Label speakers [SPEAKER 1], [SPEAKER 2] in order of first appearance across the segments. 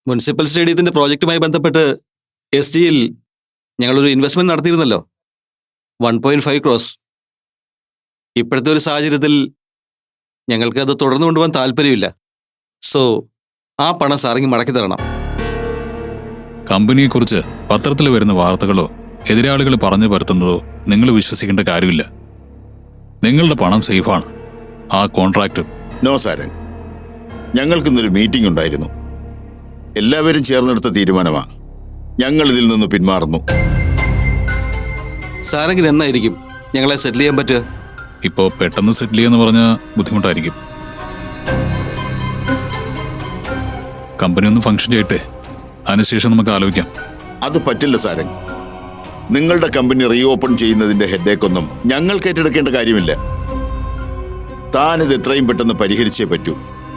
[SPEAKER 1] Municipal സ്റ്റേഡിയത്തിന്റെ പ്രോജക്റ്റുമായി ബന്ധപ്പെട്ട് SGയിൽ ഞങ്ങളൊരു investment നടത്തിയിരുന്നല്ലോ, 1.5 crores. ഇപ്പോഴത്തെ ഒരു സാഹചര്യത്തിൽ ഞങ്ങൾക്ക് അത് തുടർന്നു കൊണ്ടുപോകാൻ താല്പര്യമില്ല. സോ ആ പണം സാറിങ് മടക്കി തരണം.
[SPEAKER 2] കമ്പനിയെക്കുറിച്ച് പത്രത്തിൽ വരുന്ന വാർത്തകളോ എതിരാളികൾ പറഞ്ഞു പരത്തുന്നതോ നിങ്ങൾ വിശ്വസിക്കേണ്ട കാര്യമില്ല. നിങ്ങളുടെ പണം സേഫാണ്. ആ കോൺട്രാക്ട്.
[SPEAKER 3] നോ സാരംഗ്, ഞങ്ങൾക്കിന്നൊരു മീറ്റിംഗ് ഉണ്ടായിരുന്നു. എല്ലാവരും ചേർന്നെടുത്ത തീരുമാനമാണ്. ഞങ്ങൾ ഇതിൽ നിന്ന് പിന്മാറുന്നു.
[SPEAKER 1] സാറെങ്കിലും എന്നായിരിക്കും ഞങ്ങളെ സെറ്റിൽ ചെയ്യാൻ പറ്റുക?
[SPEAKER 2] ഇപ്പോൾ പെട്ടെന്ന് സെറ്റിൽ ചെയ്യാന്ന് പറഞ്ഞാൽ ബുദ്ധിമുട്ടായിരിക്കും. കമ്പനി ഒന്ന് ഫംഗ്ഷൻ ചെയ്യട്ടെ, അതിനുശേഷം നമുക്ക് ആലോചിക്കാം.
[SPEAKER 3] അത് പറ്റില്ല സാരംഗ്. നിങ്ങളുടെ കമ്പനി റീഓപ്പൺ ചെയ്യുന്നതിന്റെ ഹെഡേക്കൊന്നും ഞങ്ങൾക്ക് ഏറ്റെടുക്കേണ്ട കാര്യമില്ല. താനിത് എത്രയും പെട്ടെന്ന് പരിഹരിച്ചേ പറ്റൂ.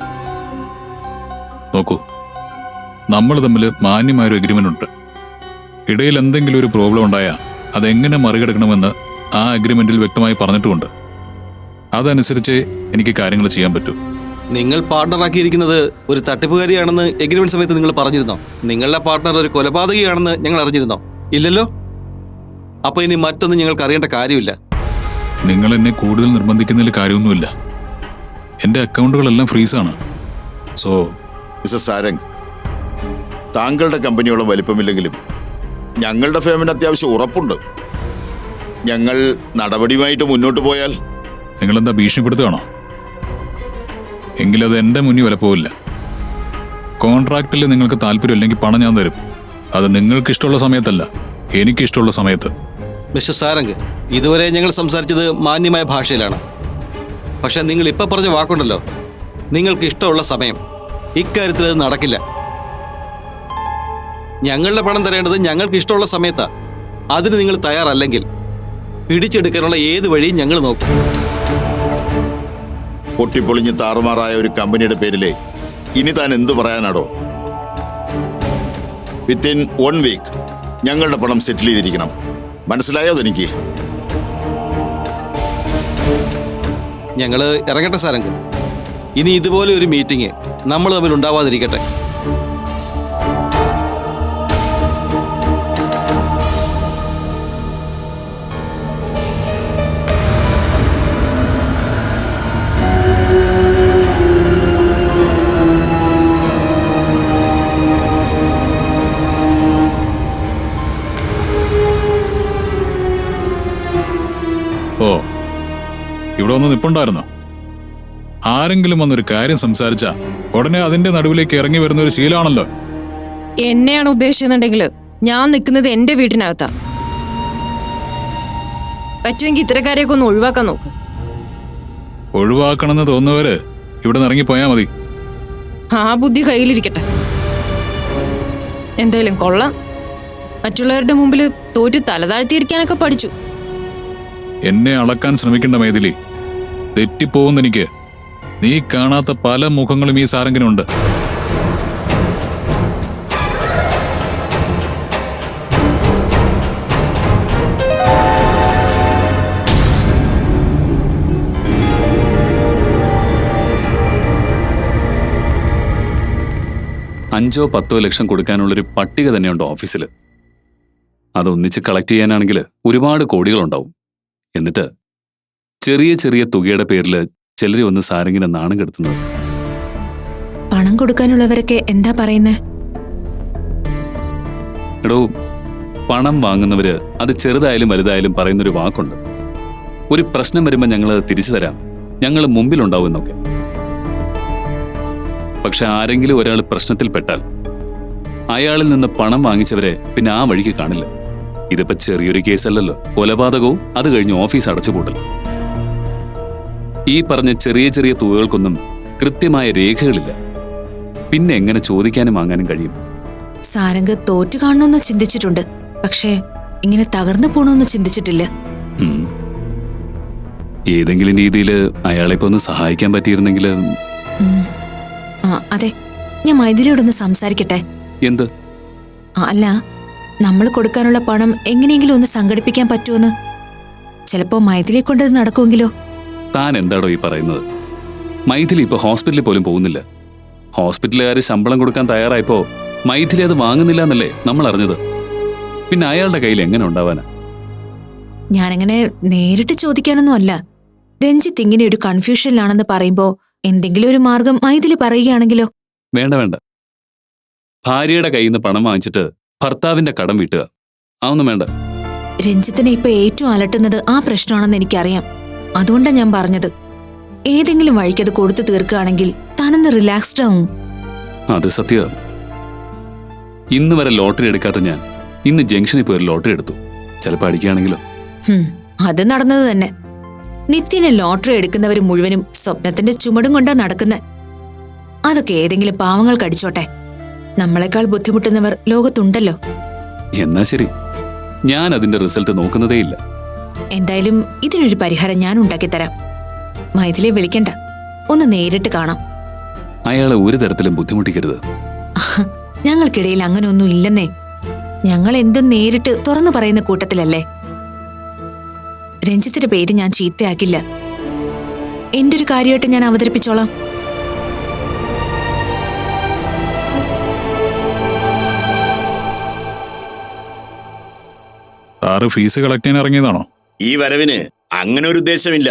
[SPEAKER 2] നോക്കൂ, നമ്മൾ തമ്മിൽ മാന്യമായൊരു അഗ്രിമെന്റ് ഉണ്ട്. ഇടയിൽ എന്തെങ്കിലും ഒരു പ്രോബ്ലം ഉണ്ടായാൽ അതെങ്ങനെ മറികടക്കണമെന്ന് ആ അഗ്രിമെന്റിൽ വ്യക്തമായി പറഞ്ഞിട്ടുമുണ്ട്. അതനുസരിച്ച് എനിക്ക് കാര്യങ്ങൾ ചെയ്യാൻ പറ്റൂ.
[SPEAKER 1] നിങ്ങൾ പാർട്ണറാക്കിയിരിക്കുന്നത് ഒരു തട്ടിപ്പുകാരിയാണെന്ന് എഗ്രിമെന്റ് സമയത്ത് നിങ്ങൾ പറഞ്ഞിരുന്നോ? നിങ്ങളുടെ പാർട്ണർ ഒരു കൊലപാതകിയാണെന്ന് ഞങ്ങൾ അറിഞ്ഞിരുന്നോ? ഇല്ലല്ലോ. അപ്പൊ ഇനി മറ്റൊന്നും ഞങ്ങൾക്ക് അറിയേണ്ട കാര്യമില്ല.
[SPEAKER 2] നിങ്ങൾ എന്നെ കൂടുതൽ നിർബന്ധിക്കുന്നതിൽ കാര്യമൊന്നുമില്ല. എൻ്റെ അക്കൗണ്ടുകളെല്ലാം ഫ്രീസാണ്. സോ
[SPEAKER 3] മിസ്റ്റർ സാരംഗ്, താങ്കളുടെ കമ്പനിയോളം വലിപ്പമില്ലെങ്കിലും ഞങ്ങളുടെ ഫേമിന് അത്യാവശ്യം ഉറപ്പുണ്ട്. ഞങ്ങൾ നടപടിയുമായിട്ട് മുന്നോട്ട് പോയാൽ
[SPEAKER 2] നിങ്ങളെന്താ ഭീഷണിപ്പെടുത്തുകയാണോ? എങ്കിലത് എൻ്റെ മുന്നിൽ വിലപ്പോവില്ല. കോൺട്രാക്റ്റിൽ നിങ്ങൾക്ക് താല്പര്യമില്ലെങ്കിൽ പണം ഞാൻ തരും. അത് നിങ്ങൾക്ക് ഇഷ്ടമുള്ള സമയത്തല്ല, എനിക്കിഷ്ടമുള്ള സമയത്ത്.
[SPEAKER 1] മിസ്റ്റർ സാരംഗ്, ഇതുവരെ ഞങ്ങൾ സംസാരിച്ചത് മാന്യമായ ഭാഷയിലാണ്. പക്ഷെ നിങ്ങൾ ഇപ്പൊ പറഞ്ഞ വാക്കുണ്ടല്ലോ, നിങ്ങൾക്ക് ഇഷ്ടമുള്ള സമയം, ഇക്കാര്യത്തിൽ അത് നടക്കില്ല. ഞങ്ങളുടെ പണം തരേണ്ടത് ഞങ്ങൾക്ക് ഇഷ്ടമുള്ള സമയത്താ. അതിന് നിങ്ങൾ തയ്യാറല്ലെങ്കിൽ പിടിച്ചെടുക്കാനുള്ള ഏത് വഴിയും ഞങ്ങൾ നോക്കും.
[SPEAKER 3] പൊട്ടിപ്പൊളിഞ്ഞ് താറുമാറായ ഒരു കമ്പനിയുടെ പേരിലെ ഇനി താൻ എന്തു പറയാനാടോ? വിത്തിൻ 1 വീക്ക് ഞങ്ങളുടെ പണം സെറ്റിൽ ചെയ്തിരിക്കണം. മനസ്സിലായോ തനിക്ക്?
[SPEAKER 1] ഞങ്ങൾ ഇറങ്ങട്ടെ സാരംഗ്. ഇനി ഇതുപോലെ ഒരു മീറ്റിംഗ് നമ്മൾ തമ്മിൽ ഉണ്ടാവാതിരിക്കട്ടെ.
[SPEAKER 2] ഓ, ഇവിടെ ഒന്ന് നിപ്പുണ്ടായിരുന്നോ? ആരെങ്കിലും വന്നൊരു കാര്യം സംസാരിച്ചാ ഉടനെ അതിന്റെ നടുവിലേക്ക് ഇറങ്ങി വരുന്ന ഒരു ശീലമാണല്ലോ.
[SPEAKER 4] എന്നെയാണ് ഉദ്ദേശിക്കുന്നുണ്ടെങ്കിൽ ഞാൻ നിൽക്കുന്നത് എന്റെ വീട്ടിനകത്താ. പറ്റുമെങ്കിൽ ഇത്തരക്കാരെയൊക്കെ ഒന്ന് ഒഴിവാക്കാൻ നോക്ക്.
[SPEAKER 2] ഒഴിവാക്കണമെന്ന് തോന്നുന്നവര് ഇവിടെ നിന്ന് ഇറങ്ങിപ്പോയാ മതി.
[SPEAKER 4] ആ ബുദ്ധി കയ്യിലിരിക്കട്ടെ. എന്തായാലും കൊള്ളാം, മറ്റുള്ളവരുടെ മുമ്പിൽ തോറ്റ് തലതാഴ്ത്തിയിരിക്കാനൊക്കെ പഠിച്ചു.
[SPEAKER 2] എന്നെ അളക്കാൻ ശ്രമിക്കേണ്ട മൈഥിലി, തെറ്റിപ്പോകുന്നെനിക്ക്. നീ കാണാത്ത പല മുഖങ്ങളും ഈ സാരംഗിനുണ്ട്.
[SPEAKER 5] $5 or 10 ലക്ഷം കൊടുക്കാനുള്ളൊരു പട്ടിക തന്നെയുണ്ട് ഓഫീസിൽ. അതൊന്നിച്ച് കളക്ട് ചെയ്യാനാണെങ്കിൽ ഒരുപാട് കോടികളുണ്ടാവും. എന്നിട്ട് ചെറിയ ചെറിയ തുകയുടെ പേരിൽ ചിലരെ ഒന്ന് സാരംഗിനെ നാണം കെടുത്തുന്നത്.
[SPEAKER 6] പണം കൊടുക്കാനുള്ളവരൊക്കെ എന്താ പറയുന്നേ?
[SPEAKER 5] എടോ, പണം വാങ്ങുന്നവര് അത് ചെറുതായാലും വലുതായാലും പറയുന്നൊരു വാക്കുണ്ട്. ഒരു പ്രശ്നം വരുമ്പോൾ ഞങ്ങളത് തിരിച്ചു തരാം, ഞങ്ങൾ മുമ്പിലുണ്ടാവും എന്നൊക്കെ. പക്ഷെ ആരെങ്കിലും ഒരാൾ പ്രശ്നത്തിൽപ്പെട്ടാൽ അയാളിൽ നിന്ന് പണം വാങ്ങിച്ചവരെ പിന്നെ ആ വഴിക്ക് കാണില്ല. ഇതിപ്പോ ചെറിയൊരു കേസല്ലല്ലോ, കൊലപാതകവും അത് കഴിഞ്ഞ് ഓഫീസ് അടച്ചുപൂട്ടൽ. ഈ പറഞ്ഞ ചെറിയ ചെറിയ തുകകൾക്കൊന്നും കൃത്യമായ രേഖകളില്ല. പിന്നെ എങ്ങനെ ചോദിക്കാനും വാങ്ങാനും കഴിയും?
[SPEAKER 6] സാരംഗ് തോറ്റു കാണണമെന്ന് ചിന്തിച്ചിട്ടുണ്ട്, പക്ഷേ ഇങ്ങനെ തകർന്നു പോണമെന്ന് ചിന്തിച്ചിട്ടില്ല.
[SPEAKER 5] ഏതെങ്കിലും രീതിയിൽ അയാളെ ഒന്ന് സഹായിക്കാൻ പറ്റിയിരുന്നെങ്കിൽ.
[SPEAKER 6] അതെ, ഞാൻ മൈഥിലിയോടൊന്ന് സംസാരിക്കട്ടെ.
[SPEAKER 5] എന്ത്?
[SPEAKER 6] അല്ല, നമ്മൾ കൊടുക്കാനുള്ള പണം എങ്ങനെയെങ്കിലും ഒന്ന് സംഘടിപ്പിക്കാൻ പറ്റുമെന്ന്. ചിലപ്പോ മൈഥിലിയെ കൊണ്ടത് നടക്കുമെങ്കിലോ?
[SPEAKER 5] താൻ എന്താടോ ഈ പറയുന്നത്? മൈഥിലി ഇപ്പൊ ഹോസ്പിറ്റലിൽ പോലും പോകുന്നില്ല. ഹോസ്പിറ്റലുകാർ ശമ്പളം കൊടുക്കാൻ തയ്യാറായപ്പോ മൈഥിലി അത് വാങ്ങുന്നില്ല എന്നല്ലേ നമ്മൾ അറിഞ്ഞത്. പിന്നെ അയാളുടെ കയ്യിൽ എങ്ങനെ ഉണ്ടാവാനാ?
[SPEAKER 6] ഞാനങ്ങനെ നേരിട്ട് ചോദിക്കാനൊന്നും അല്ല. രഞ്ജിത്ത് ഇങ്ങനെ ഒരു കൺഫ്യൂഷനിലാണെന്ന് പറയുമ്പോ എന്തെങ്കിലും ഒരു മാർഗം മൈഥിലി പറയുകയാണെങ്കിലോ?
[SPEAKER 5] വേണ്ട വേണ്ട. ഭാര്യയുടെ കയ്യിൽ നിന്ന് പണം വാങ്ങിച്ചിട്ട് ഭർത്താവിന്റെ കടം വീട്ടുക, അതൊന്നും വേണ്ട.
[SPEAKER 6] രഞ്ജിത്തിനെ ഇപ്പൊ ഏറ്റവും അലട്ടുന്നത് ആ പ്രശ്നമാണെന്ന് എനിക്കറിയാം. അതുകൊണ്ടാണ് ഞാൻ പറഞ്ഞത്, ഏതെങ്കിലും വഴിക്കത് കൊടുത്തു തീർക്കുകയാണെങ്കിൽ താനൊന്ന് റിലാക്സ്ഡ് ആവും.
[SPEAKER 5] അത് സത്യം. ഇന്ന് വരെ ലോട്ടറി എടുക്കാത്ത ഞാൻ ഇന്ന് ജംഗ്ഷനിൽ പോയി ഒരു ലോട്ടറി എടുത്തു. ചിലപ്പോൾ അടിക്കുകയാണെങ്കിലോ?
[SPEAKER 6] അത് നടന്നത് തന്നെ. നിത്യനെ ലോട്ടറി എടുക്കുന്നവർ മുഴുവനും സ്വപ്നത്തിന്റെ ചുമടും കൊണ്ടാ നടക്കുന്നത്. അതൊക്കെ ഏതെങ്കിലും പാവങ്ങൾക്ക് അടിച്ചോട്ടെ. നമ്മളെക്കാൾ ബുദ്ധിമുട്ടുന്നവർ ലോകത്തുണ്ടല്ലോ.
[SPEAKER 5] എന്നാ ശരി, ഞാൻ അതിന്റെ റിസൾട്ട് നോക്കുന്നതേയില്ല.
[SPEAKER 6] എന്തായാലും ഇതിനൊരു പരിഹാരം ഞാൻ ഉണ്ടാക്കിത്തരാം. മൈഥിലിയെ വിളിക്കണ്ട, ഒന്ന് നേരിട്ട് കാണാം.
[SPEAKER 5] അയാളെ ഒരു തരത്തിലും ബുദ്ധിമുട്ടിക്കരുത്.
[SPEAKER 6] ഞങ്ങൾക്കിടയിൽ അങ്ങനെ ഒന്നും ഇല്ലെന്നേ. ഞങ്ങൾ എന്തും നേരിട്ട് തുറന്നു പറയുന്ന കൂട്ടത്തിലല്ലേ. രഞ്ജിത്തിന്റെ പേര് ഞാൻ ചീത്തയാക്കില്ല. എന്റെ ഒരു കാര്യമായിട്ട് ഞാൻ അവതരിപ്പിച്ചോളാം.
[SPEAKER 2] സാറ് ഫീസ് കളക്ട് ചെയ്യാൻ ഇറങ്ങിയതാണോ?
[SPEAKER 3] ഈ വരവിന് അങ്ങനെ ഒരു ഉദ്ദേശമില്ല.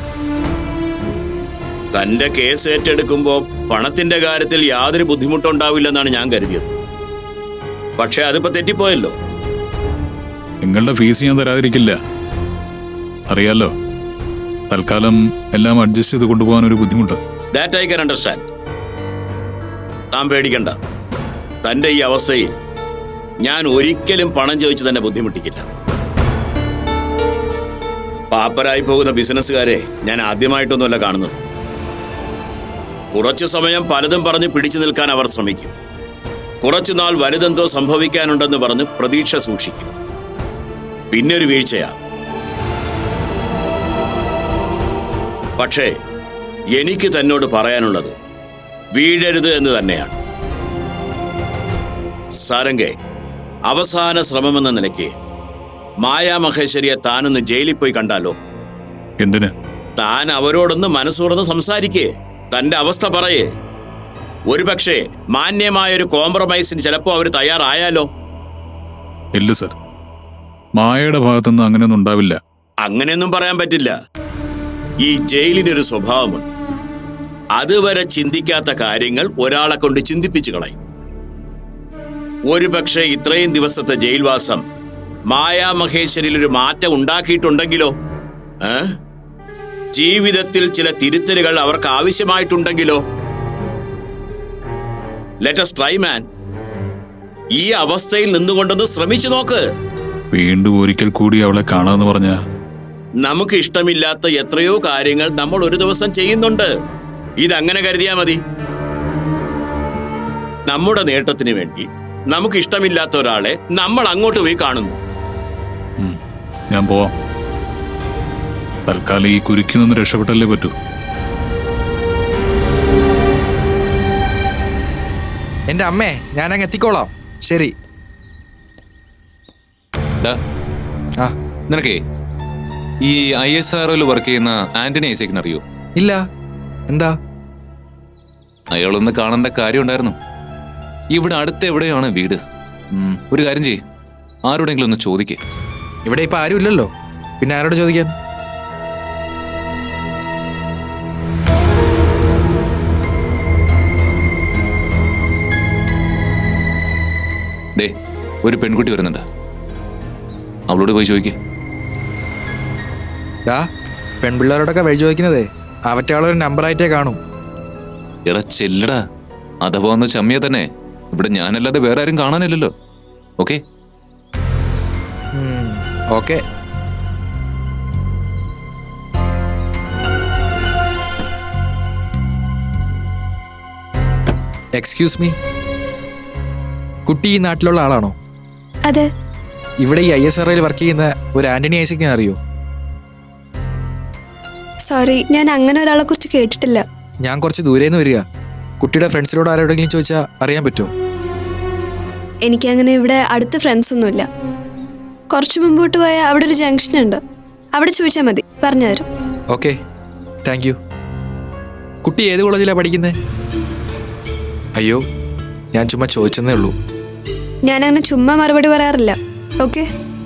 [SPEAKER 3] തന്റെ കേസ് ഏറ്റെടുക്കുമ്പോ പണത്തിന്റെ കാര്യത്തിൽ യാതൊരു ബുദ്ധിമുട്ടുണ്ടാവില്ലെന്നാണ് ഞാൻ കരുതിയത്. പക്ഷെ അതിപ്പോ തെറ്റിപ്പോയല്ലോ.
[SPEAKER 2] നിങ്ങളുടെ ഫീസ് ഞാൻ തരാതിരിക്കില്ല, അറിയാലോ. തൽക്കാലം എല്ലാം അഡ്ജസ്റ്റ് ചെയ്ത് കൊണ്ടുപോകാൻ ഒരു ബുദ്ധിമുട്ട്.
[SPEAKER 3] That I can understand. താൻ പേടിക്കണ്ട. തന്റെ ഈ അവസ്ഥയിൽ ഞാൻ ഒരിക്കലും പണം ചോദിച്ച് തന്നെ ബുദ്ധിമുട്ടിക്കില്ല. പാപ്പരായി പോകുന്ന ബിസിനസ്സുകാരെ ഞാൻ ആദ്യമായിട്ടൊന്നുമല്ല കാണുന്നത്. കുറച്ചു സമയം പലതും പറഞ്ഞ് പിടിച്ചു നിൽക്കാൻ അവർ ശ്രമിക്കും. കുറച്ചുനാൾ വലുതെന്തോ സംഭവിക്കാനുണ്ടെന്ന് പറഞ്ഞ് പ്രതീക്ഷ സൂക്ഷിക്കും. പിന്നെ ഒരു വീഴ്ചയാ. പക്ഷേ എനിക്ക് തന്നോട് പറയാനുള്ളത് വീഴരുത് എന്ന് തന്നെയാണ്. സാരംഗേ, അവസാന ശ്രമമെന്ന നിലയ്ക്ക് മായാ മഹേശ്വരിയെ താനൊന്ന് ജയിലിൽ പോയി കണ്ടാലോ?
[SPEAKER 2] എന്തിന്?
[SPEAKER 3] താൻ അവരോടൊന്ന് മനസ്സുറന്ന് സംസാരിക്കേ, തന്റെ അവസ്ഥ പറയേ. ഒരുപക്ഷെ മാന്യമായൊരു കോംപ്രമൈസിന് ചിലപ്പോ അവർ തയ്യാറായാലോ?
[SPEAKER 2] ഇല്ല സർ, മായയുടെ ഭാഗത്തുനിന്ന് അങ്ങനെയൊന്നും ഉണ്ടാവില്ല.
[SPEAKER 3] അങ്ങനെയൊന്നും പറയാൻ പറ്റില്ല. ഈ ജയിലിനൊരു സ്വഭാവമുണ്ട്. അതുവരെ ചിന്തിക്കാത്ത കാര്യങ്ങൾ ഒരാളെ കൊണ്ട് ചിന്തിപ്പിച്ചു കളയും. ഒരുപക്ഷെ ഇത്രയും ദിവസത്തെ ജയിൽവാസം മായാ മഹേശ്വരിയിൽ ഒരു മാറ്റം ഉണ്ടാക്കിയിട്ടുണ്ടെങ്കിലോ? ജീവിതത്തിൽ ചില തിരുത്തലുകൾ അവർക്ക് ആവശ്യമായിട്ടുണ്ടെങ്കിലോ? Let us try, man. ഈ അവസ്ഥയിൽ നിന്നുകൊണ്ടൊന്ന് ശ്രമിച്ചു നോക്ക്.
[SPEAKER 2] വീണ്ടും ഒരിക്കൽ കൂടി അവളെ കാണാന്ന് പറഞ്ഞ
[SPEAKER 3] നമുക്ക് ഇഷ്ടമില്ലാത്ത എത്രയോ കാര്യങ്ങൾ നമ്മൾ ഒരു ദിവസം ചെയ്യുന്നുണ്ട്. ഇതങ്ങനെ കരുതിയാ മതി. നമ്മുടെ നേട്ടത്തിന് വേണ്ടി നമുക്ക് ഇഷ്ടമില്ലാത്ത ഒരാളെ നമ്മൾ അങ്ങോട്ട് പോയി കാണുന്നു.
[SPEAKER 2] ഞാൻ പോവാം. തൽക്കാലം ഈ കുരുക്കിൽ നിന്ന് രക്ഷപ്പെട്ടല്ലേ പറ്റൂ.
[SPEAKER 7] എന്റെ അമ്മേ, ഞാനങ്ങ് എത്തിക്കോളാം. ശരി.
[SPEAKER 8] ആ നിനക്കേ ഈ ISROയിൽ വർക്ക് ചെയ്യുന്ന ആന്റണി ഐസക്കിനെ അറിയോ?
[SPEAKER 7] ഇല്ല. എന്താ?
[SPEAKER 8] അയാളൊന്ന് കാണേണ്ട കാര്യം ഉണ്ടായിരുന്നു. ഇവിടെ അടുത്ത് എവിടെയാണ് വീട്? ഒരു കാര്യം ചെയ്യ്, ആരോടെങ്കിലും ഒന്ന് ചോദിക്കേ.
[SPEAKER 7] ഇവിടെ ഇപ്പൊ ആരും ഇല്ലല്ലോ, പിന്നെ ആരോട് ചോദിക്കാൻ?
[SPEAKER 8] ദേ, ഒരു പെൺകുട്ടി വരുന്നുണ്ട്, അവളോട് പോയി ചോദിക്കേ.
[SPEAKER 7] പെൺപിള്ളേരോടൊക്കെ വഴി ചോദിക്കുന്നതേ അവറ്റയാളൊരു നമ്പറായിട്ടേ കാണും.
[SPEAKER 8] എടാ ചെല്ലടാ, അഥവാ ഒന്ന് ചമ്മിയ തന്നെ ഇവിടെ ഞാനല്ലാതെ വേറെ ആരും കാണാനില്ലല്ലോ. Okay
[SPEAKER 7] okay. എക്സ്ക്യൂസ് മീ, കുട്ടി ഈ നാട്ടിലുള്ള ആളാണോ?
[SPEAKER 9] അതെ.
[SPEAKER 7] ഇവിടെ ഈ ISROയിൽ വർക്ക് ചെയ്യുന്ന ഒരു ആന്റണി ഐസക്കിനെ അറിയോ?
[SPEAKER 9] സോറി, ഞാൻ അങ്ങനെ ഒരാളെ കുറിച്ച് കേട്ടിട്ടില്ല.
[SPEAKER 7] ഞാൻ കുറച്ച് ദൂരേന്ന് വരിക. കുട്ടിയുടെ ഫ്രണ്ട്സിനോട് ആരോടെങ്കിലും ചോദിച്ചാൽ അറിയാൻ പറ്റുമോ?
[SPEAKER 9] എനിക്കങ്ങനെ ഇവിടെ അടുത്ത ഫ്രണ്ട്സ് ഒന്നുമില്ല. കുറച്ച് മുമ്പോട്ട് പോയാൽ അവിടെ ഒരു ജംഗ്ഷൻ ഉണ്ട്, അവിടെ ചോദിച്ചാൽ മതി, പറഞ്ഞുതരും.
[SPEAKER 7] Okay, thank you. കുട്ടി ഏത് കോളേജിലാണ് പഠിക്കുന്നത്? അയ്യോ, ഞാൻ ചുമ്മാ ചോദിച്ചെന്നേ ഉള്ളൂ.
[SPEAKER 9] ഞാനങ്ങനെ ചുമ്മാ മറുപടി പറയാറില്ല. ഓക്കെ?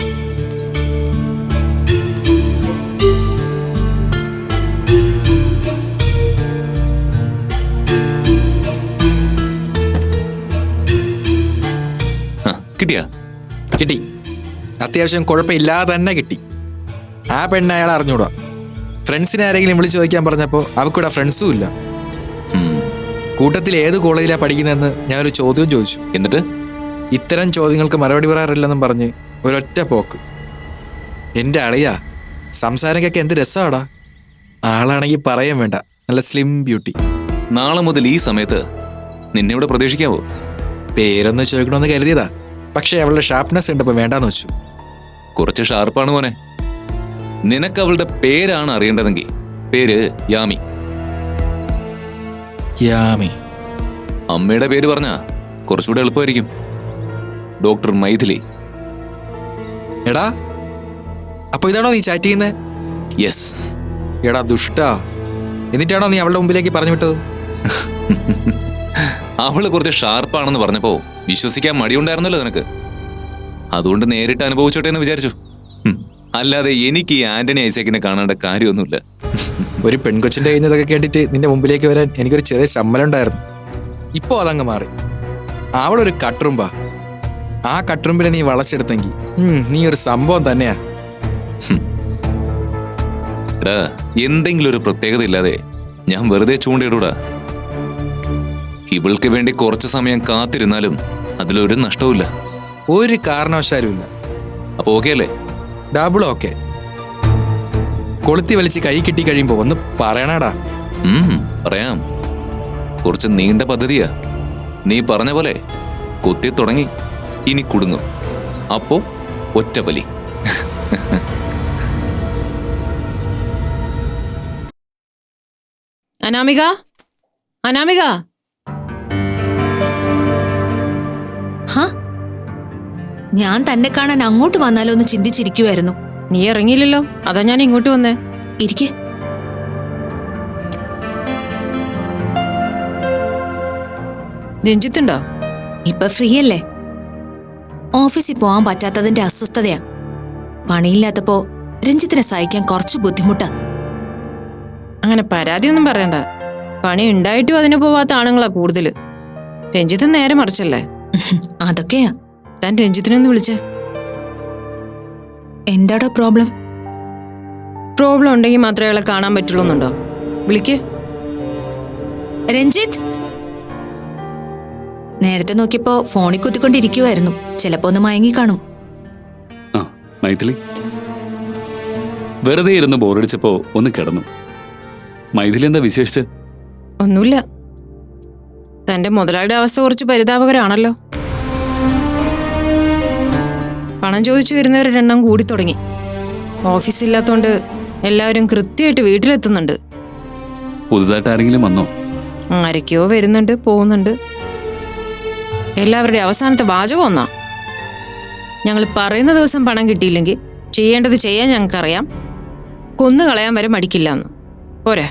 [SPEAKER 8] കിട്ടിയാ?
[SPEAKER 7] കിട്ടി. അത്യാവശ്യം കുഴപ്പമില്ലാതെ തന്നെ കിട്ടി. ആ പെണ്ണ് അയാൾ അറിഞ്ഞൂടാ. ഫ്രണ്ട്സിനെ ആരെങ്കിലും വിളിച്ചു ചോദിക്കാൻ പറഞ്ഞപ്പോൾ അവൾക്കൂടെ ഫ്രണ്ട്സും ഇല്ല. കൂട്ടത്തിൽ ഏത് കോളേജിലാണ് പഠിക്കുന്നതെന്ന് ഞാനൊരു ചോദ്യം ചോദിച്ചു.
[SPEAKER 8] എന്നിട്ട്
[SPEAKER 7] ഇത്തരം ചോദ്യങ്ങൾക്ക് മറുപടി പറയാറില്ലെന്നും പറഞ്ഞ് ഒരൊറ്റ പോക്ക്. എൻ്റെ അളിയാ, സംസാരക്കൊക്കെ എന്ത് രസമാടാ. ആളാണെങ്കിൽ പറയാൻ വേണ്ട, നല്ല സ്ലിം ബ്യൂട്ടി.
[SPEAKER 8] നാളെ മുതൽ ഈ സമയത്ത് നിന്നെ ഇവിടെ പ്രതീക്ഷിക്കാവോ?
[SPEAKER 7] പേരൊന്ന് ചോദിക്കണമെന്ന് കരുതിയതാ, പക്ഷേ അവളുടെ ഷാർപ്നെസ് കണ്ടപ്പോൾ വേണ്ടാന്ന് വെച്ചു.
[SPEAKER 8] കുറച്ച് ഷാർപ്പാണ് മോനെ. നിനക്ക് അവളുടെ പേരാണ് അറിയേണ്ടതെങ്കിൽ പേര് യാമി.
[SPEAKER 7] യാമി.
[SPEAKER 8] അമ്മയുടെ പേര് പറഞ്ഞാ കുറച്ചുകൂടെ എളുപ്പമായിരിക്കും. ഡോക്ടർ മൈഥിലി.
[SPEAKER 7] എടാ, അപ്പൊ ഇതാണോ നീ ചാറ്റ് ചെയ്യുന്നത്?
[SPEAKER 8] യെസ്.
[SPEAKER 7] എടാ ദുഷ്ടാ, എന്നിട്ടാണോ നീ അവളുടെ മുമ്പിലേക്ക് പറഞ്ഞു വിട്ടത്?
[SPEAKER 8] അവള് കുറച്ച് ഷാർപ്പാണെന്ന് പറഞ്ഞപ്പോ വിശ്വസിക്കാൻ മടിയുണ്ടായിരുന്നല്ലോ നിനക്ക്. അതുകൊണ്ട് നേരിട്ട് അനുഭവിച്ചോട്ടെ എന്ന് വിചാരിച്ചു. അല്ലാതെ എനിക്ക് ഈ ആന്റണി ഐസക്കിനെ കാണേണ്ട കാര്യമൊന്നുമില്ല.
[SPEAKER 7] ഒരു പെൺകൊച്ചിന്റെ കഴിഞ്ഞതൊക്കെ കേട്ടിട്ട് നിന്റെ മുമ്പിലേക്ക് വരാൻ എനിക്കൊരു ചെറിയ ശമ്മലം ഉണ്ടായിരുന്നു. ഇപ്പോ അതങ്ങ് മാറി. അവളൊരു കട്ടുറുമ്പാ. ആ കട്ടുറുമ്പിനെ നീ വളച്ചെടുത്തെങ്കിൽ നീ ഒരു സംഭവം തന്നെയാ.
[SPEAKER 8] എടാ, എന്തെങ്കിലും ഒരു പ്രത്യേകത ഇല്ലാതെ ഞാൻ വെറുതെ ചൂണ്ടിയിടൂടാ. ഇവൾക്ക് വേണ്ടി കുറച്ച് സമയം കാത്തിരുന്നാലും അതിലൊരു നഷ്ടവുമില്ല.
[SPEAKER 7] ഒരു കാരണവശാലും ഇല്ല.
[SPEAKER 8] അപ്പൊ ഓക്കെ അല്ലേ?
[SPEAKER 7] Double okay. കൊളുത്തി വലിച്ച് കൈ കിട്ടി കഴിയുമ്പോ ഒന്ന് പറയണടാ.
[SPEAKER 8] പറയാം. കുറച്ച് നീണ്ട പദ്ധതിയാ. നീ പറഞ്ഞ പോലെ കൊത്തി തുടങ്ങി, ഇനി കുടുങ്ങും. അപ്പോ ഒറ്റപ്പലി.
[SPEAKER 4] അനാമിക, അനാമിക.
[SPEAKER 6] ഹാ, ഞാൻ തന്നെ കാണാൻ അങ്ങോട്ട് വന്നാലോ എന്ന് ചിന്തിച്ചിരിക്കുമായിരുന്നു.
[SPEAKER 4] നീ ഇറങ്ങിയില്ലല്ലോ, അതാ ഞാൻ ഇങ്ങോട്ട് വന്നേ.
[SPEAKER 6] ഇരിക്കെ.
[SPEAKER 4] രഞ്ജിത്തുണ്ടോ?
[SPEAKER 6] ഇപ്പൊ ഫ്രീ അല്ലേ? ഓഫീസിൽ പോവാൻ പറ്റാത്തതിന്റെ അസ്വസ്ഥതയാ. പണിയില്ലാത്തപ്പോ രഞ്ജിത്തിനെ സഹിക്കാൻ കുറച്ച് ബുദ്ധിമുട്ടാ.
[SPEAKER 4] അങ്ങനെ പരാതിയൊന്നും പറയണ്ട. പണി ഉണ്ടായിട്ടും അതിന് പോവാത്ത ആണുങ്ങളാ കൂടുതല്. രഞ്ജിത്ത് നേരെ മറിച്ചല്ലേ?
[SPEAKER 6] അതൊക്കെയാ.
[SPEAKER 4] താൻ രഞ്ജിത്തിനൊന്ന് വിളിച്ചേ.
[SPEAKER 6] എന്താടോ പ്രോബ്ലം?
[SPEAKER 4] പ്രോബ്ലം ഉണ്ടെങ്കിൽ മാത്രമേ അയാളെ കാണാൻ പറ്റുള്ളൂ എന്നുണ്ടോ? വിളിക്ക്.
[SPEAKER 6] രഞ്ജിത്ത്. നേരത്തെ നോക്കിയപ്പോ ഫോണിൽ കുത്തിക്കൊണ്ടിരിക്കുവായിരുന്നു. ചിലപ്പോ ഒന്ന് മയങ്ങി കാണും.
[SPEAKER 5] ആ, മൈഥിലി. വെറുതെ ഇരുന്ന് ബോറടിച്ചപ്പോ ഒന്ന് കിടന്നു. മൈഥിലി എന്താ വിശേഷിച്ച്?
[SPEAKER 4] ഒന്നുമില്ല. തന്റെ മുതലാളിയുടെ അവസ്ഥ കുറച്ച് പരിതാപകരാണല്ലോ. പണം ചോദിച്ചു വരുന്നവരുടെ എണ്ണം കൂടി തുടങ്ങി. ഓഫീസില്ലാത്തോണ്ട് എല്ലാവരും കൃത്യമായിട്ട് വീട്ടിലെത്തുന്നുണ്ട്.
[SPEAKER 5] പുതുതായിട്ട് ആരെങ്കിലും വന്നോ?
[SPEAKER 4] ആരൊക്കെയോ വരുന്നുണ്ട്, പോകുന്നുണ്ട്. എല്ലാവരുടെ അവസാനത്തെ വാചകം ഒന്നാ: ഞങ്ങൾ പറയുന്ന ദിവസം പണം കിട്ടിയില്ലെങ്കിൽ ചെയ്യേണ്ടത് ചെയ്യാൻ ഞങ്ങൾക്കറിയാം, കൊന്നുകളയാൻ വരെ മടിക്കില്ല എന്ന്. പോരെ?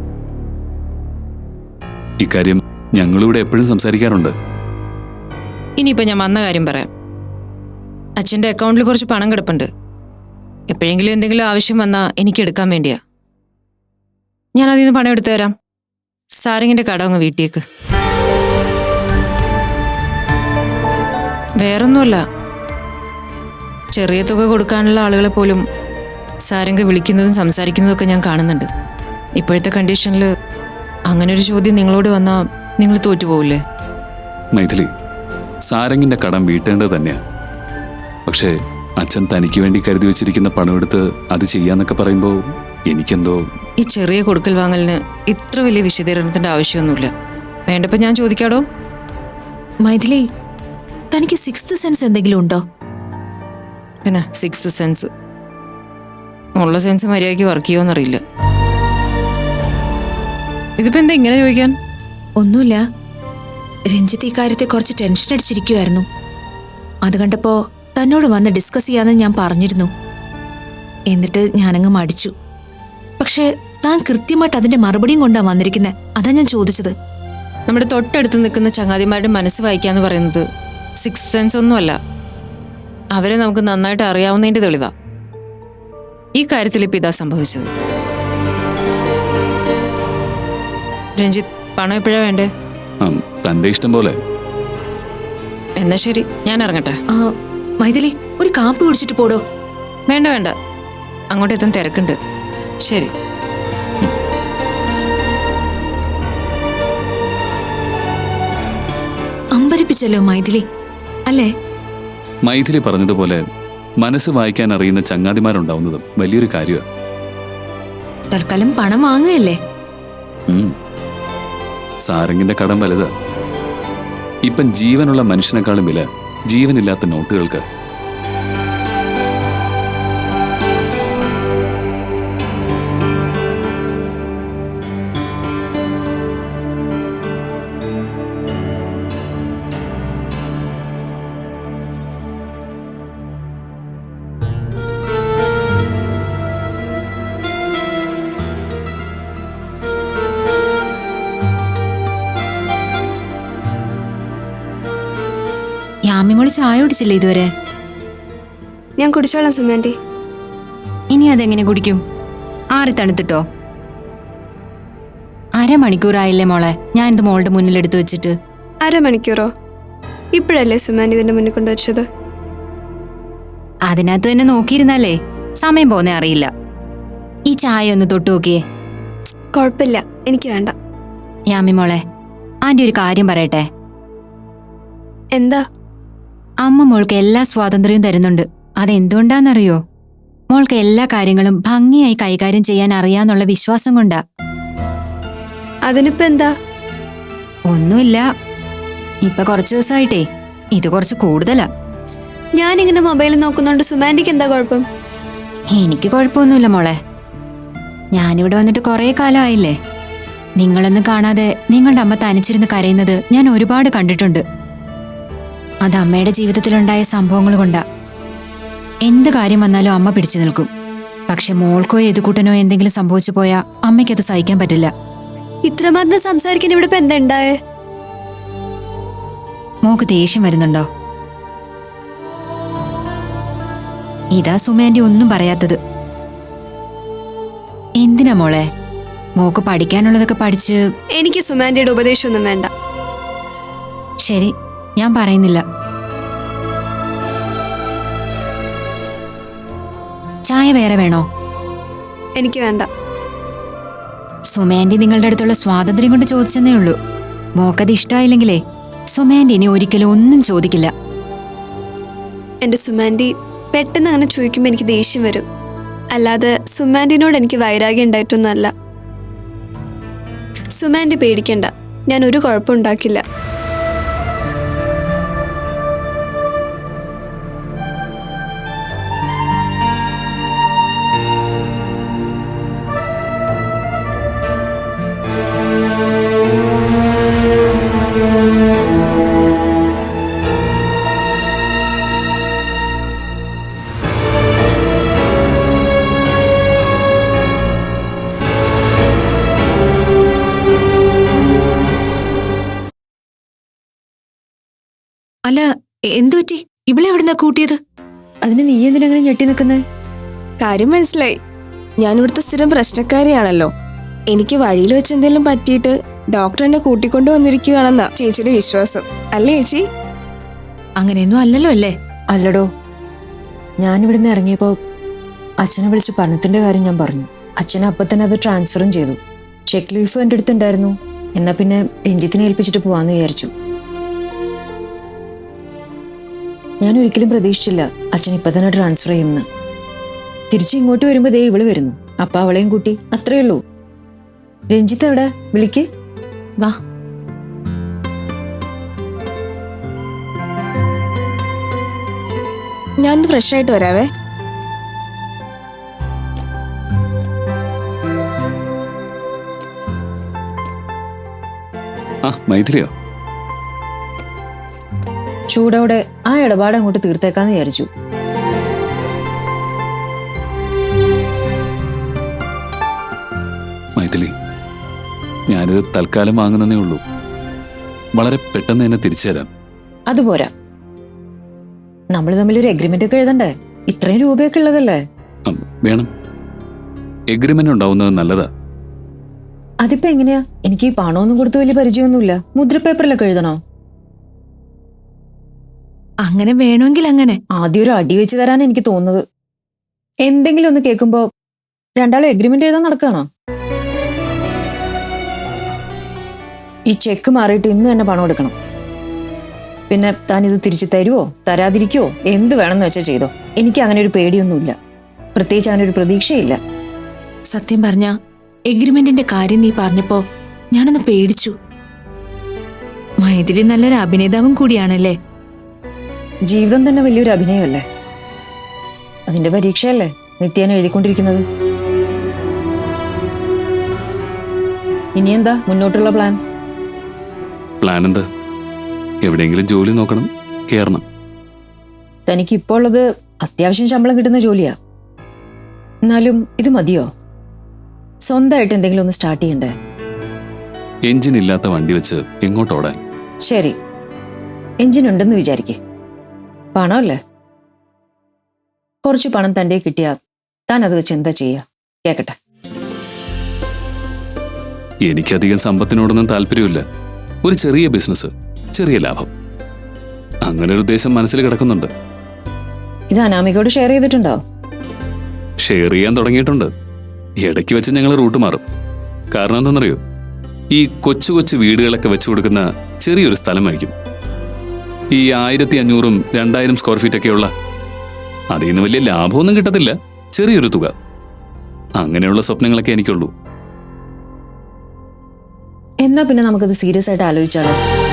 [SPEAKER 5] ഇക്കാര്യം ഞങ്ങളിവിടെ എപ്പോഴും സംസാരിക്കാറുണ്ട്.
[SPEAKER 4] ഇനിയിപ്പോ ഞാൻ വന്ന കാര്യം പറയാം. അച്ഛൻ്റെ അക്കൗണ്ടിൽ കുറച്ച് പണം കിടപ്പുണ്ട്. എപ്പോഴെങ്കിലും എന്തെങ്കിലും ആവശ്യം വന്നാൽ എനിക്ക് എടുക്കാൻ വേണ്ടിയാ. ഞാൻ അതിൽ നിന്ന് പണം എടുത്തു തരാം. സാരംഗിന്റെ കട അങ്ങ് വീട്ടിലേക്ക്. വേറൊന്നുമല്ല, ചെറിയ തുക കൊടുക്കാനുള്ള ആളുകളെ പോലും സാരംഗ് വിളിക്കുന്നതും സംസാരിക്കുന്നതും ഒക്കെ ഞാൻ കാണുന്നുണ്ട്. ഇപ്പോഴത്തെ കണ്ടീഷനിൽ അങ്ങനെ ഒരു ചോദ്യം നിങ്ങളോട് വന്നാൽ നിങ്ങൾ തോറ്റുപോകില്ലേ?
[SPEAKER 5] മൈഥിലി, സാരംഗിന്റെ കടം വീട്ടേണ്ടത് തന്നെയാ. പക്ഷേ അച്ഛൻ തനിക്ക് വേണ്ടി കരുതി വെച്ചിരിക്കുന്ന പണമെടുത്ത് അത് ചെയ്യാന്നൊക്കെ പറയുമ്പോൾ എനിക്കെന്തോ.
[SPEAKER 4] ഈ ചെറിയ കൊടുക്കൽ വാങ്ങലിന് ഇത്ര വലിയ വിശദീകരണത്തിന്റെ ആവശ്യമൊന്നുമില്ല. വേണ്ടപ്പോ ഞാൻ ചോദിക്കാടോ?
[SPEAKER 6] മൈഥിലി, തനിക്ക് സിക്സ്ത് സെൻസ് എന്തെങ്കിലും ഉണ്ടോ?
[SPEAKER 4] പിന്നെ സിക്സ്ത് സെൻസ് ഉള്ള സെൻസ് മര്യാദയ്ക്ക് വർക്ക് ചെയ്യുമോന്നറിയില്ല. ഇതിപ്പോ എന്താ ഇങ്ങനെ ചോദിക്കാൻ?
[SPEAKER 6] ഒന്നുമില്ല. രഞ്ജിത്ത് ഈ കാര്യത്തെ കുറച്ച് ടെൻഷൻ അടിച്ചിരിക്കുമായിരുന്നു. അത് കണ്ടപ്പോ തന്നോട് വന്ന് ഡിസ്കസ് ചെയ്യാന്ന് ഞാൻ പറഞ്ഞിരുന്നു. എന്നിട്ട് ഞാനങ്ങ് മടിച്ചു. പക്ഷെ താൻ കൃത്യമായിട്ട് അതിന്റെ മറുപടിയും കൊണ്ടാ വന്നിരിക്കുന്നത്. അതാ ഞാൻ ചോദിച്ചത്.
[SPEAKER 4] നമ്മുടെ തൊട്ടടുത്ത് നിൽക്കുന്ന ചങ്ങാതിമാരുടെ മനസ്സ് വായിക്കാന്ന് പറയുന്നത് 6th സെൻസ് ഒന്നുമല്ല. അവരെ നമുക്ക് നന്നായിട്ട് അറിയാവുന്നതിന്റെ തെളിവാ. ഈ കാര്യത്തിൽ ഇപ്പം ഇതാ സംഭവിച്ചത്. രഞ്ജിത്ത്, പണം എപ്പോഴാ വേണ്ടേ?
[SPEAKER 5] തന്റെ ഇഷ്ടം പോലെ.
[SPEAKER 4] എന്നാ ശരി, ഞാൻ ഇറങ്ങട്ടെ.
[SPEAKER 6] മൈഥിലി, ഒരു കാപ്പി കുടിച്ചിട്ട് പോടോ.
[SPEAKER 4] വേണ്ട വേണ്ട, അങ്ങോട്ടെത്താൻ തിരക്കുണ്ട്. ശരി.
[SPEAKER 6] അമ്പരിപ്പിച്ചല്ലോ മൈഥിലി, അല്ലേ?
[SPEAKER 5] മൈഥിലി പറഞ്ഞതുപോലെ മനസ്സ് വായിക്കാൻ അറിയുന്ന ചങ്ങാതിമാരുണ്ടാവുന്നതും വലിയൊരു കാര്യമാണ്.
[SPEAKER 6] തൽക്കാലം പണം വാങ്ങുകയല്ലേ?
[SPEAKER 5] സാരംഗിന്റെ കടം വലുതാ. ഇപ്പം ജീവനുള്ള മനുഷ്യനെക്കാളും വില ജീവനില്ലാത്ത നോട്ടുകൾക്ക്.
[SPEAKER 6] യാമിമോള് ചായ കുടിച്ചില്ലേ ഇതുവരെ?
[SPEAKER 9] ഞാൻ കുടിച്ചോളാം സുമാൻറ്റി.
[SPEAKER 6] ഇനി അതെങ്ങനെ കുടിക്കും? ആറി തണുത്തിട്ടോ? അരമണിക്കൂറായില്ലേ മോളെ ഞാൻ ഇത് മോളുടെ മുന്നിലെടുത്ത് വെച്ചിട്ട്.
[SPEAKER 9] അരമണിക്കൂറോ? ഇപ്പോഴല്ലേ സുമാൻറ്റി ഇതിന്റെ മുന്നിൽ കൊണ്ടുവച്ചത്?
[SPEAKER 6] അതിനകത്ത് തന്നെ നോക്കിയിരുന്നാലേ സമയം പോന്നെ അറിയില്ല. ഈ ചായ ഒന്ന് തൊട്ടു നോക്കിയേ.
[SPEAKER 9] കുഴപ്പമില്ല, എനിക്ക് വേണ്ട.
[SPEAKER 6] യാമി മോളെ, ആന്റി ഒരു കാര്യം പറയട്ടെ.
[SPEAKER 9] എന്താ?
[SPEAKER 6] അമ്മ മോൾക്ക് എല്ലാ സ്വാതന്ത്ര്യവും തരുന്നുണ്ട്. അതെന്തുകൊണ്ടാന്നറിയോ? മോൾക്ക് എല്ലാ കാര്യങ്ങളും ഭംഗിയായി കൈകാര്യം ചെയ്യാൻ അറിയാന്നുള്ള വിശ്വാസം കൊണ്ടാ.
[SPEAKER 9] അതിനിപ്പോ എന്താ?
[SPEAKER 6] ഒന്നുമില്ല, ഇപ്പൊ കുറച്ചു ദിവസമായിട്ടേ ഇത് കുറച്ച് കൂടുതലാ.
[SPEAKER 9] ഞാനിങ്ങനെ മൊബൈൽ നോക്കുന്നോണ്ട് സുമാൻറ്റിക്ക് എന്താ കുഴപ്പം?
[SPEAKER 6] എനിക്ക് കുഴപ്പമൊന്നുമില്ല മോളെ. ഞാനിവിടെ വന്നിട്ട് കുറെ കാലമായില്ലേ. നിങ്ങളൊന്നും കാണാതെ നിങ്ങളുടെ അമ്മ തനിച്ചിരുന്ന് കരയുന്നത് ഞാൻ ഒരുപാട് കണ്ടിട്ടുണ്ട്. അത് അമ്മയുടെ ജീവിതത്തിലുണ്ടായ സംഭവങ്ങൾ കൊണ്ടാ. എന്ത് കാര്യം വന്നാലും അമ്മ പിടിച്ചു നിൽക്കും. പക്ഷെ മോൾക്കോ എതുകൂട്ടനോ എന്തെങ്കിലും സംഭവിച്ചു പോയാ അമ്മയ്ക്കത് സഹിക്കാൻ പറ്റില്ല.
[SPEAKER 9] ഇത്രമാത്രം സംസാരിക്കാൻ ഇവിടെ ഇപ്പൊ എന്താ ഉണ്ടായേ?
[SPEAKER 6] മോക്ക് ദേഷ്യം വരുന്നുണ്ടോ? ഇതാ സുമേന്റെ ഒന്നും പറയാത്തത്. എന്തിനാ മോളെ? മോക്ക് പഠിക്കാനുള്ളതൊക്കെ പഠിച്ച്.
[SPEAKER 9] എനിക്ക് സുമാൻറ്റിയുടെ ഉപദേശമൊന്നും വേണ്ട.
[SPEAKER 6] ശരി, ഞാൻ പറയുന്നില്ല. ചായ വേറെ വേണോ?
[SPEAKER 9] എനിക്ക് വേണ്ട.
[SPEAKER 6] സുമേന്റെ നിങ്ങളുടെ അടുത്തുള്ള സ്വാതന്ത്ര്യം കൊണ്ട് ചോദിച്ചെന്നേ ഉള്ളൂ. മോക്കത് ഇഷ്ടമായില്ലെങ്കിലേ സുമേന്റെ ഇനി ഒരിക്കലും ഒന്നും ചോദിക്കില്ല.
[SPEAKER 9] എന്റെ സുമാൻറ്റി പെട്ടെന്ന് അങ്ങനെ ചോദിക്കുമ്പോൾ എനിക്ക് ദേഷ്യം വരും. അല്ലാതെ സുമാൻറ്റിനോട് എനിക്ക് വൈരാഗ്യം ഉണ്ടായിട്ടൊന്നുമല്ല. സുമാൻറ്റി പേടിക്കണ്ട, ഞാൻ ഒരു കുഴപ്പമുണ്ടാക്കില്ല.
[SPEAKER 6] അല്ല, എന്തുപറ്റി? ഇവിടെ എവിടുന്നാ കൂട്ടിയത്?
[SPEAKER 10] അതിന് നീ എന്തിനങ്ങനെ ഞെട്ടി നിൽക്കുന്നേ? കാര്യം മനസ്സിലായി. ഞാൻ ഇവിടുത്തെ സ്ഥിരം പ്രശ്നക്കാരിയാണല്ലോ. എനിക്ക് വഴിയിൽ വെച്ച് എന്തെങ്കിലും പറ്റിയിട്ട് ഡോക്ടർ എന്നെ കൂട്ടിക്കൊണ്ടു വന്നിരിക്കുകയാണെന്നാ ചേച്ചിയുടെ വിശ്വാസം, അല്ലേ ചേച്ചി?
[SPEAKER 6] അങ്ങനെയൊന്നും അല്ലല്ലോ അല്ലേ?
[SPEAKER 10] അല്ലടോ, ഞാനിവിടുന്ന് ഇറങ്ങിയപ്പോൾ അച്ഛനെ വിളിച്ച് പണത്തിന്റെ കാര്യം ഞാൻ പറഞ്ഞു. അച്ഛൻ അപ്പം തന്നെ അത് ട്രാൻസ്ഫറും ചെയ്തു. ചെക്ക് ലീഫ് എൻ്റെ അടുത്തുണ്ടായിരുന്നു. എന്നാ പിന്നെ രഞ്ജിത്തിനെ ഏൽപ്പിച്ചിട്ട് പോവാന്ന് വിചാരിച്ചു. ഞാൻ ഒരിക്കലും പ്രതീക്ഷിച്ചില്ല അച്ഛൻ ഇപ്പൊ തന്നെ ട്രാൻസ്ഫർ ചെയ്യുമെന്ന്. തിരിച്ച് ഇങ്ങോട്ട് വരുമ്പോ ദേ ഇവള് വരുന്നു. അപ്പൊ അവളെയും കൂട്ടി, അത്രേ ഉള്ളൂ. രഞ്ജിത്ത് എവിടെ? വിളിക്ക്.
[SPEAKER 6] വാ.
[SPEAKER 10] ഞാൻ ഫ്രഷ് ആയിട്ട് വരാവേ.
[SPEAKER 5] മൈഥിലിയോ?
[SPEAKER 10] ചൂടോടെ ആ ഇടപാട് അങ്ങോട്ട് തീർത്തേക്കാന്ന് വിചാരിച്ചു.
[SPEAKER 5] മൈഥിലി, ഞാനിത് തൽക്കാലം വാങ്ങുന്നേ ഉള്ളൂ. വളരെ പെട്ടെന്ന് തന്നെ തിരിച്ചു തരാം.
[SPEAKER 4] അതുപോരാ, നമ്മൾ തമ്മിലൊരു എഗ്രിമെന്റ് ഒക്കെ എഴുതണ്ടേ? ഇത്രയും രൂപയൊക്കെ ഉള്ളതല്ലേ?
[SPEAKER 5] വേണം. എഗ്രിമെന്റ് ഉണ്ടാവുന്നത് നല്ലതാ.
[SPEAKER 4] അതിപ്പോ എങ്ങനെയാ? എനിക്ക് ഈ പണമൊന്നും കൊടുത്ത് വലിയ പരിചയമൊന്നുമില്ല. മുദ്രപേപ്പറിലൊക്കെ എഴുതണോ?
[SPEAKER 6] അങ്ങനെ വേണമെങ്കിൽ അങ്ങനെ.
[SPEAKER 4] ആദ്യം ഒരു അടി വെച്ച് തരാൻ എനിക്ക് തോന്നുന്നത്. എന്തെങ്കിലും ഒന്ന് കേൾക്കുമ്പോ രണ്ടാളും എഗ്രിമെന്റ് എഴുതാൻ നടക്കുകയാണോ? ഈ ചെക്ക് മാറിയിട്ട് ഇന്ന് തന്നെ പണം എടുക്കണം. പിന്നെ താൻ ഇത് തിരിച്ചു തരുവോ തരാതിരിക്കുവോ എന്ത് വേണമെന്ന് വെച്ചാൽ ചെയ്തോ. എനിക്ക് അങ്ങനെ ഒരു പേടിയൊന്നുമില്ല, പ്രത്യേകിച്ച് അങ്ങനെ ഒരു പ്രതീക്ഷയില്ല.
[SPEAKER 6] സത്യം പറഞ്ഞ എഗ്രിമെന്റിന്റെ കാര്യം നീ പറഞ്ഞപ്പോ ഞാനൊന്ന് പേടിച്ചു. മൈഥിലി നല്ലൊരു അഭിനേതാവും കൂടിയാണല്ലേ.
[SPEAKER 4] ജീവിതം തന്നെ വലിയൊരു അഭിനയമല്ലേ? അതിന്റെ പരീക്ഷയല്ലേ നിത്യേന എഴുതിക്കൊണ്ടിരിക്കുന്നത്. ഇനി എന്താ മുന്നോട്ടുള്ള പ്ലാൻ?
[SPEAKER 5] പ്ലാൻ എന്താ? എവിടെയെങ്കിലും ജോലി നോക്കണം, കേറണം.
[SPEAKER 4] തനിക്ക് ഇപ്പോൾ ഉള്ളത് അത്യാവശ്യം ശമ്പളം കിട്ടുന്ന ജോലിയാ. എന്നാലും ഇത് മതിയോ? സ്വന്തമായിട്ട് എന്തെങ്കിലും ഒന്ന് സ്റ്റാർട്ട് ചെയ്യണ്ടേ?
[SPEAKER 5] എഞ്ചിൻ ഇല്ലാത്ത വണ്ടി വെച്ച് എങ്ങോട്ടോടാൻ?
[SPEAKER 4] ശരി, എഞ്ചിൻ ഉണ്ടെന്ന് വിചാരിക്കേ. പണമല്ലേ? കുറച്ച് പണം തൻ്റെ കിട്ടിയാ താൻ അത് വെച്ച് എന്താ ചെയ്യാ? കേക്കട്ടെ.
[SPEAKER 5] എനിക്കധികം സമ്പത്തിനോടൊന്നും താല്പര്യമില്ല. ഒരു ചെറിയ ബിസിനസ്, ചെറിയ ലാഭം, അങ്ങനെ ഒരു ഉദ്ദേശം മനസ്സിൽ കിടക്കുന്നുണ്ട്.
[SPEAKER 4] ഇത് അനാമികയോട് ഷെയർ ചെയ്തിട്ടുണ്ടോ?
[SPEAKER 5] ഷെയർ ചെയ്യാൻ തുടങ്ങിയിട്ടുണ്ട്. ഇടയ്ക്ക് വെച്ച് ഞങ്ങൾ റൂട്ട് മാറും. കാരണം എന്താണെന്നറിയോ? ഈ കൊച്ചു കൊച്ചു വീടുകളൊക്കെ വെച്ചു കൊടുക്കുന്ന ചെറിയൊരു സ്ഥലമായിരിക്കും. ഈ 1500 2000 സ്ക്വയർ ഫീറ്റ് ഒക്കെയുള്ള. അതിൽ നിന്ന് വലിയ ലാഭമൊന്നും കിട്ടത്തില്ല, ചെറിയൊരു തുക. അങ്ങനെയുള്ള സ്വപ്നങ്ങളൊക്കെ എനിക്കുള്ളൂ.
[SPEAKER 4] എന്നാ പിന്നെ നമുക്കത് സീരിയസ് ആയിട്ട് ആലോചിച്ചാലോ?